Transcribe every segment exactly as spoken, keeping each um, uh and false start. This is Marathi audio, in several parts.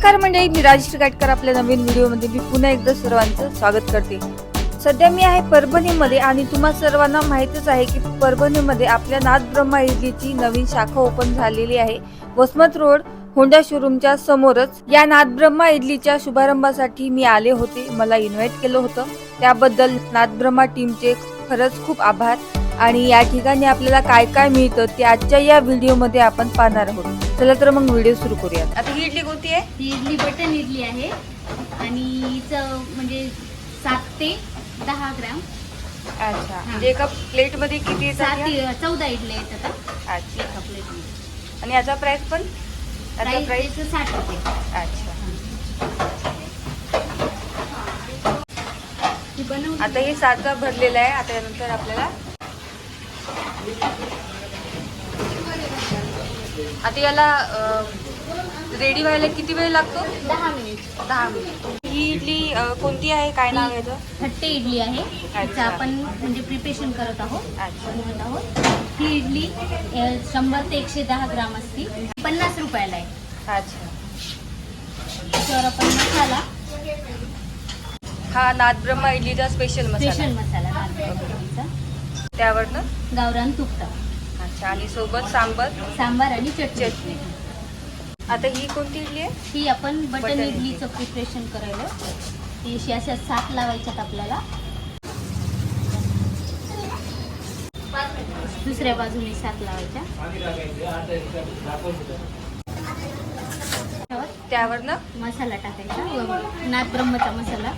नमस्कार मंडळी, मी राजेश गाटकर आपल्या नवीन व्हिडिओमध्ये मी पुन्हा एकदा सर्वांचं स्वागत करते। सध्या मी आहे परभणीमध्ये आणि तुम्हा सर्वांना माहितच आहे की परभणीमध्ये आपल्या नाथब्रह्मा इडलीची नवीन शाखा ओपन झालेली आहे। वसमत रोड होंडा शोरूमच्या समोरच या नाथब्रह्मा इडलीच्या शुभारंभासाठी मी आले होते। मला इन्व्हाइट केलं होतं, त्याबद्दल नाथब्रह्मा टीमचे खरंच खूप आभार। आणि या ठिकाणी आपल्याला काय काय मिळतं ते आजच्या या व्हिडिओमध्ये आपण पाहणार आहोत। चला तर मग व्हिडिओ सुरू करूया। आता ही इडली कोणती आहे? ही इडली बटन इडली आहे आणि हिचं म्हणजे सात ते दहा ग्राम। अच्छा, म्हणजे एका प्लेट मध्ये किती येतात? सात चौदा इडल्या येतात आता अच्छा, एका प्लेट मध्ये। आणि याचा प्राइस पण? याचा प्राइस साठ रुपये। अच्छा, ही बनवून आता हे साचा भरलेला आहे। आता यानंतर आपल्याला आता याला रेडी व्हायला किती वेळ लागतो? दहा मिनिट। दहा मिनिट। ही इडली अ, कोणती आहे? काय नाव आहे याचं? खट्टे इडली आहे। त्याचं आपण म्हणजे प्रिपरेशन करत आहोत, अच्छा। बनवत आहोत। ही इडली अ, शंभर ते एकशे दहा ग्राम असते, पन्नास रुपयाला आहे। अच्छा, त्याच्यावर आपण मसाला, हा नाथब्रह्मा इडलीचा स्पेशल स्पेशल मसाला, मसाला नागपूरचा, त्यावरनं गावरान तुपटा, अच्छा, आणि सोबत सांबर सांबार आणि चटणी। चटणी। आता ही कोणती इडली आहे? ही आपण बटन बटन इडलीचं प्रिपरेशन करायला ती अशी अशा सात लावायच्यात आपल्याला। दुसऱ्या बाजूने सात लावायच्या, त्यावरनं मसाला टाकायचा, व नाथब्रह्मचा मसाला।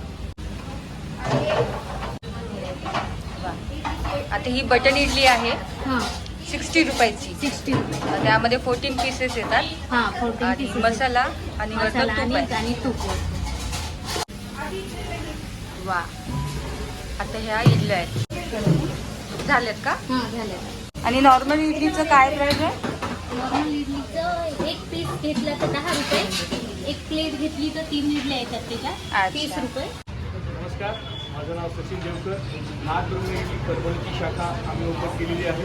आता ही बटन इडली आहे हां, सिक्स्टी रुपयाची। सिक्स्टी रुपये। त्यामध्ये फोर्टीन पीसेस येतात हां, फोर्टीन आणि पीसेस मसाला आणि वरनं मसाला तूप आणि आहे। आणि तूप। वा, आता ह्या इडल्या आहेत झाल्यात का? हां, झालं। आणि नॉर्मल इडलीचं काय प्राइस आहे? नॉर्मल इडलीचं एक पीस घेतलं तर दहा रुपये, एक प्लेट घेतली तर तीन इडल्या येतात त्याच्यात, अच्छा। तीस रुपये। नमस्कार, माझं नाव सचिन देवकर। नाथब्रह्मा इडली परभणीची शाखा आम्ही ओपन केलेली आहे।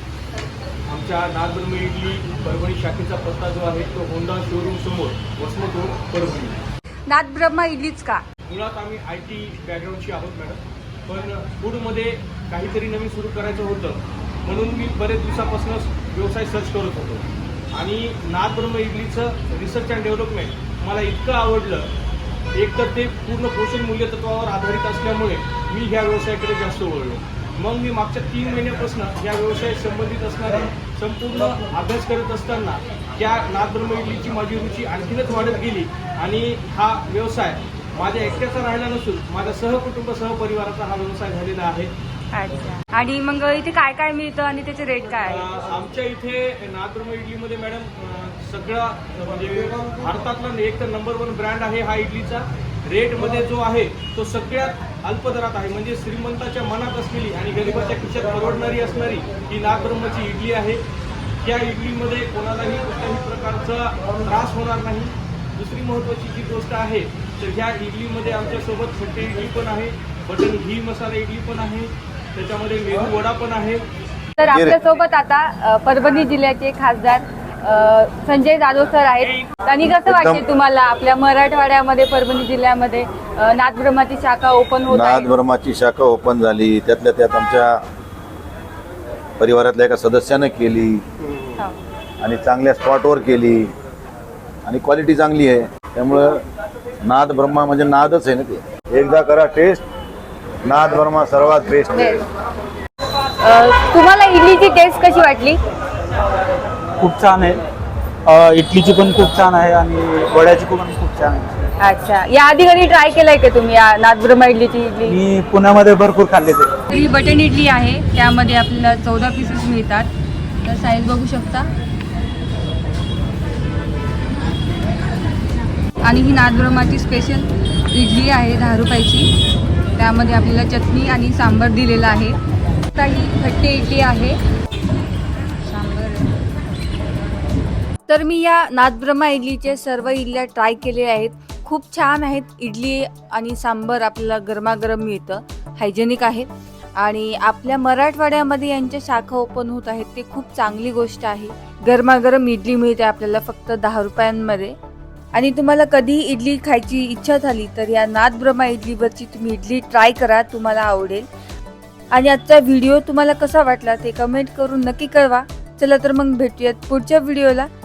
आमच्या नाथब्रह्मा इडली परभणी शाखेचा पत्ता जो आहे तो होंडा शोरूम समोर, वसमत रोड, परभणी। नाथब्रह्मा इडलीच का? मुळात आम्ही आय टी बॅकग्राऊंडची आहोत मॅडम, पण फूडमध्ये काहीतरी नवीन सुरू करायचं होतं म्हणून मी बरेच दिवसापासूनच व्यवसाय सर्च करत होतो। आणि नाथब्रह्मा इडलीचं रिसर्च अँड डेव्हलपमेंट मला इतकं आवडलं, एक तर ते पूर्ण पोषण मूल्य तत्वावर आधारित असल्यामुळे मी ह्या व्यवसायाकडे जास्त वळलो। मग मी मागच्या तीन महिन्यापासून या व्यवसायात संबंधित असणारे संपूर्ण अभ्यास करत असताना त्या नाथब्रह्मा इडलीची माझी रुची आणखीनच वाढत गेली आणि हा व्यवसाय माझ्या एकट्याचा राहिला नसून माझ्या सहकुटुंब सहपरिवाराचा हा व्यवसाय झालेला आहे। अच्छा, आणि मग इथे काय काय मिळतं आणि त्याचे रेट काय आहे? अं, आमच्या इथे नाथब्रह्मा इडलीमध्ये मॅडम अं, सगळा म्हणजे भारतातला एक तर नंबर वन ब्रँड आहे हा इडलीचा। रेटमध्ये जो आहे तो सगळ्यात अल्प दरात आहे, म्हणजे श्रीमंताच्या मनात असलेली आणि गरिबाच्या खिशात परवडणारी असणारी ही नाथब्रह्माची इडली आहे। त्या इडलीमध्ये कोणालाही कुठल्याही प्रकारचा त्रास होणार नाही। दुसरी महत्त्वाची जी गोष्ट आहे तर ह्या इडलीमध्ये आमच्यासोबत खट्टे इडली पण आहे, बटन घी मसाला इडली पण आहे, त्याच्यामध्ये मेदू वडा पण आहे। तर आपल्यासोबत आता अ, परभणी जिल्ह्याचे खासदार अ, संजय जाधव सर आहेत। आणि कसं वाटते तुम्हाला आपल्या मराठवाड्यामध्ये परभणी जिल्ह्यामध्ये अ, नाथब्रह्माची शाखा ओपन होत आहे? नाथब्रह्माची शाखा ओपन झाली, त्यातल्या त्यात आमच्या परिवारातल्या एका सदस्यानं केली हो. आणि चांगल्या स्पॉटवर केली आणि क्वालिटी चांगली आहे, त्यामुळं नाथब्रह्मा म्हणजे नादच आहे ना ते। एकदा करा टेस्ट, नाथब्रह्मा सर्वात बेस्ट आहे। अ, तुम्हाला इडलीची टेस्ट कशी वाटली? खूप छान आहे। अ, इडलीची पण खूप छान आहे आणि वड्याची पण खूप छान आहे। अच्छा, या आधी कधी ट्राय केलाय का तुम्ही या नाथब्रह्मा इडलीची इडली? मी पुण्यामध्ये भरपूर खाल्ले ते। ही बटन इडली आहे, त्यामध्ये आपल्याला चौदा पीसेस मिळतात। तर साईज बघू शकता। आणि ही नाथब्रह्माची स्पेशल इडली आहे दहा रुपयाची, त्यामध्ये आपल्याला चटणी आणि सांबर दिलेला आहे। आता ही खट्टे इडली आहे, सांबर। तर मी या नाथब्रह्मा इडलीचे सर्व इडल्या ट्राय केलेल्या आहेत, खूप छान आहेत। इडली आणि सांबर आपल्याला गरमागरम मिळतं, हायजेनिक आहे। आणि आपल्या मराठवाड्यामध्ये यांच्या शाखा ओपन होत आहेत, ते खूप चांगली गोष्ट आहे। गरमागरम इडली मिळते आपल्याला फक्त दहा रुपयांमध्ये आणि तुम्हाला कधीही इडली खायची इच्छा झाली तर या नाद ब्रह्मा इडलीवरची तुम्ही इडली ट्राय करा, तुम्हाला आवडेल. आणि आजचा व्हिडिओ तुम्हाला कसा वाटला ते कमेंट करून नक्की कळवा. चला तर मग भेटूयात पुढच्या व्हिडिओला.